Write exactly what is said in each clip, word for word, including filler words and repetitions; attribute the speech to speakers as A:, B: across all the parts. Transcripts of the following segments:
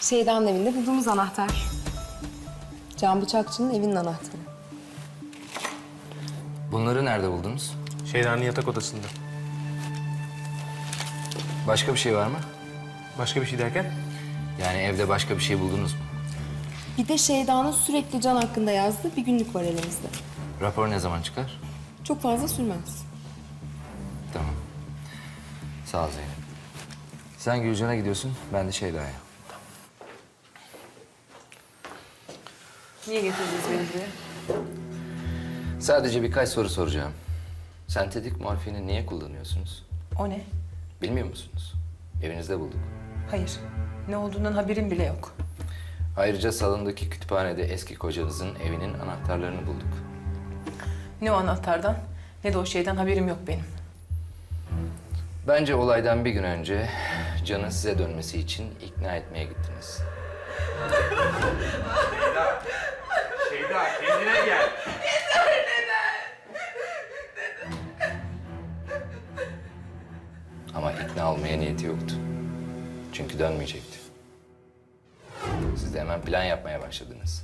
A: Şeyda'nın evinde bulduğumuz anahtar. Can Bıçakçı'nın evinin anahtarı.
B: Bunları nerede buldunuz?
C: Şeyda'nın yatak odasında.
B: Başka bir şey var mı?
C: Başka bir şey derken?
B: Yani evde başka bir şey buldunuz mu?
A: Bir de Şeyda'nın sürekli Can hakkında yazdığı bir günlük var elimizde.
B: Rapor ne zaman çıkar?
A: Çok fazla sürmez.
B: Tamam. Sağ ol Zeynep. Sen Gülcan'a gidiyorsun, ben de Şeyda'ya.
D: Niye getirdiniz beni buraya?
B: Sadece birkaç soru soracağım. Sentetik morfini niye kullanıyorsunuz?
D: O ne?
B: Bilmiyor musunuz? Evinizde bulduk.
D: Hayır. Ne olduğundan haberim bile yok.
B: Ayrıca salondaki kütüphanede eski kocanızın evinin anahtarlarını bulduk.
D: Ne o anahtardan ne de o şeyden haberim yok benim.
B: Bence olaydan bir gün önce Can'ı size dönmesi için ikna etmeye gittiniz.
C: Şeyda kendine gel.
B: Ama ikna olmaya niyeti yoktu. Çünkü dönmeyecekti. Siz de hemen plan yapmaya başladınız.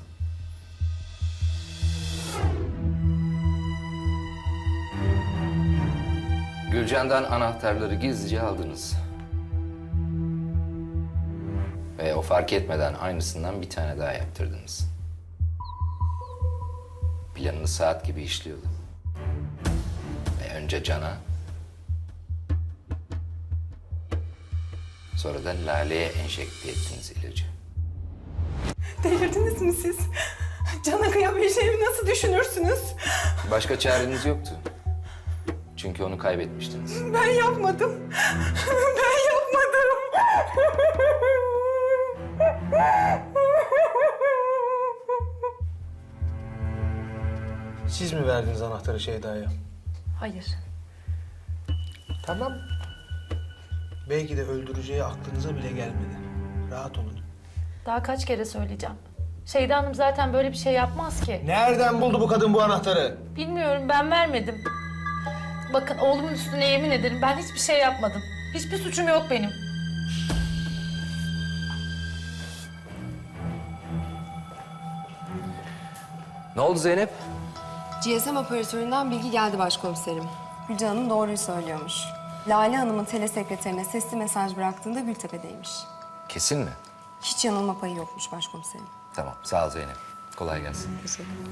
B: Gülcan'dan anahtarları gizlice aldınız. Ve o fark etmeden aynısından bir tane daha yaptırdınız. Planınız saat gibi işliyordu. Ve önce Can'a, sonra da Lale'ye enjekte ettiniz ilacı.
D: Delirdiniz mi siz? Cana kıyabileceğimi nasıl düşünürsünüz?
B: Başka çareniz yoktu. Çünkü onu kaybetmiştiniz.
D: Ben yapmadım. Ben yapmadım.
C: Siz mi verdiniz anahtarı Şeyda'ya?
E: Hayır.
C: Tamam. Belki de öldüreceği aklınıza bile gelmedi. Rahat olun.
E: Daha kaç kere söyleyeceğim. Şeyda Hanım zaten böyle bir şey yapmaz ki.
C: Nereden buldu bu kadın bu anahtarı?
E: Bilmiyorum, ben vermedim. Bakın oğlumun üstüne yemin ederim ben hiçbir şey yapmadım. Hiçbir suçum yok benim.
B: Ne oldu Zeynep?
A: G S M operatöründen bilgi geldi başkomiserim. Gülcan Hanım doğruyu söylüyormuş. Lale Hanım'ın telesekreterine sesli mesaj bıraktığında Gültepe'deymiş.
B: Kesin mi?
A: Hiç yanılma payı yokmuş başkomiserim.
B: Tamam, sağ ol Zeynep. Kolay gelsin.
A: Teşekkür ederim.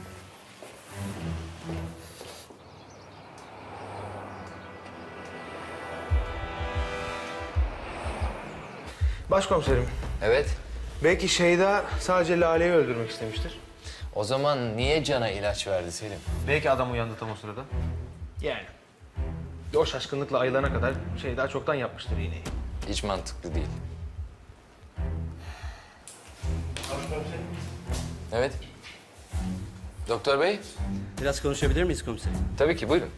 C: Başkomiserim,
B: Evet.
C: belki Şeyda sadece Lale'yi öldürmek istemiştir.
B: O zaman niye Can'a ilaç verdi Selim?
C: Belki adam uyandı tam o sırada. Yani. O şaşkınlıkla ayılana kadar Şeyda çoktan yapmıştır iğneyi.
B: Hiç mantıklı değil. Evet. Doktor bey,
F: Biraz konuşabilir miyiz komiserim?
B: tabii ki buyurun.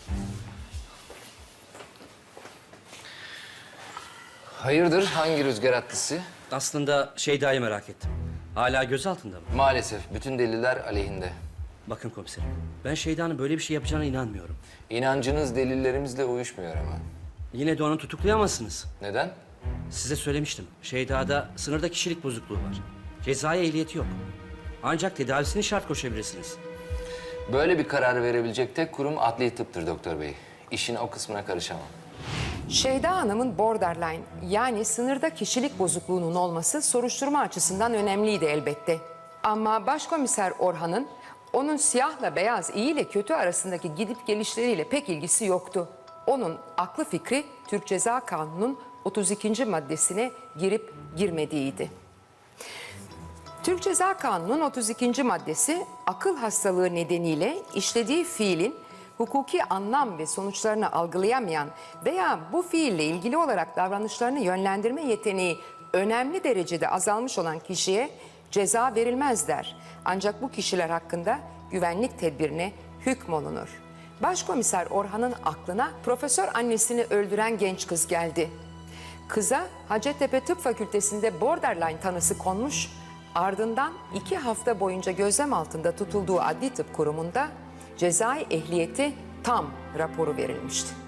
B: Hayırdır, hangi rüzgar attı?
F: Aslında Şeyda'yı merak ettim. Hala gözaltında mı?
B: Maalesef bütün deliller aleyhinde.
F: Bakın komiserim, ben Şeyda'nın böyle bir şey yapacağına inanmıyorum.
B: İnancınız delillerimizle uyuşmuyor ama.
F: Yine de onu tutuklayamazsınız.
B: Neden?
F: Size söylemiştim, Şeyda'da sınırda kişilik bozukluğu var. Cezai ehliyeti yok. Ancak tedavisini şart koşabilirsiniz.
B: Böyle bir karar verebilecek tek kurum adli tıptır doktor bey. İşin o kısmına karışamam.
G: Şeyda Hanım'ın borderline yani sınırda kişilik bozukluğunun olması soruşturma açısından önemliydi elbette. Ama Başkomiser Orhan'ın onun siyahla beyaz, iyi ile kötü arasındaki gidip gelişleriyle pek ilgisi yoktu. Onun aklı fikri Türk Ceza Kanunu'nun otuz ikinci maddesine girip girmediğiydi. Türk Ceza Kanunu'nun otuz ikinci maddesi akıl hastalığı nedeniyle işlediği fiilin hukuki anlam ve sonuçlarını algılayamayan veya bu fiille ilgili olarak davranışlarını yönlendirme yeteneği önemli derecede azalmış olan kişiye ceza verilmez der. Ancak bu kişiler hakkında güvenlik tedbirine hükmolunur. Başkomiser Orhan'ın aklına profesör annesini öldüren genç kız geldi. Kıza Hacettepe Tıp Fakültesi'nde borderline tanısı konmuş, ardından iki hafta boyunca gözlem altında tutulduğu adli tıp kurumunda cezai ehliyeti tam raporu verilmişti.